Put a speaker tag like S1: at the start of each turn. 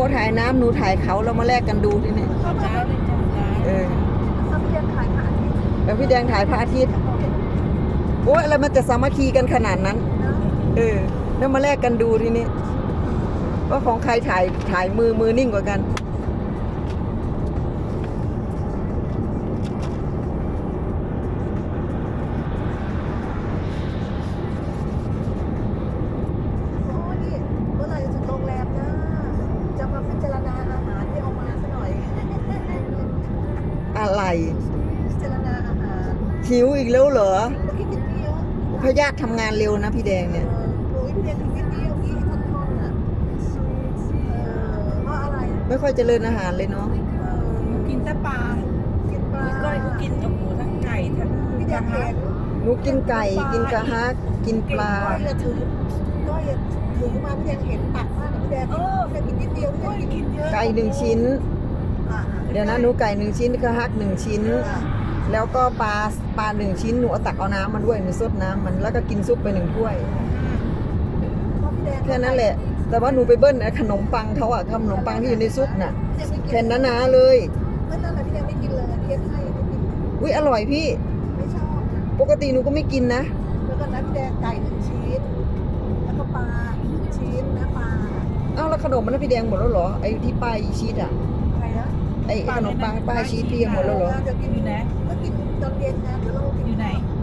S1: ถ่ายน้ำหนูถ่ายเขาเรามาแลกกันดูทีนี้
S2: เขาพี่แดงถ่ายพระอาทิตย์
S1: แล้วพี่แดงถ่ายพระอาทิตย์โอ้ยอะไรมันจะสามัคคีกันขนาดนั้นแล้วมาแลกกันดูทีนี้ว่าของใครถ่ายมือนิ่งกว่ากัน
S2: โอ้ยเมื่อไหร่จะถึงโรงแรมนะจะมาพิจารณาอาหารที่เอามาซะหน่อย
S1: อะไร
S2: พิจารณาอาหาร
S1: หิวอีกแล้วเหรอ
S2: เมื่อกี้กินเยอะ
S1: พยาธิทำงานเร็วนะพี่แดงเนี่ย
S2: โอ้ยพี่แดงกินนิดเดียวกี่ท่อนๆอ่ะเพราะอะไร
S1: ไม่ค่อยเจริญอาหารเลยเนาะ
S3: กินแต่ปลา
S2: กินปลา
S3: ก้อยก็กินทั้งหมูทั้งไก่ทั้ง
S2: พี่แดงเห็น
S1: หนูกินไก่กินกระฮักกินปลา
S2: ก้อยถือมาพี่แดงเห็นตักมากพี่แดงกินนิดเดียวพี่แดงกินเยอะ
S1: ไก่1 ชิ้น เดี๋ยวนะหนูไก่1 ชิ้นกระฮัก1 ชิ้น แล้วก็ปลา1 ชิ้นหนูเอาตักเอาน้ำมาด้วยหนูซดน้ำมันแล้วก็กินซุปไป1 ถ้วยแค่นั้นแหละ แต่ว่าหนูไปเบิ้ลขนมปังเขาอะขนมปังที่อยู่ในซุปน่ะแผ่นหนาๆเลย
S2: ไม่นั่นแหละพี่แดงไม่กินเลยเทียบให้ไม่กิน
S1: อุ้ยอร่อยพี่
S2: ไม่ชอบ
S1: ปกติหนูก็ไม่กินนะ
S2: แล้วก็น้ำพี่แดงไก่1 ชิ้นแล้วก็ปลา1 ชิ้นนะปลา
S1: เอ้าแล้วขนมมันพี่แดงหมดแล้วเหรอไอ้ที่ป้ายชีสอะ
S2: ใครนะ
S1: ไอ้ขนมปังป้ายชีสพี่หมดแล้วเหรอ
S2: จะกิน
S3: อยู่ไหน
S2: ก็กินตอนเย็นนะเดี๋ยวเรากิน
S3: อยู่ไหน
S2: เ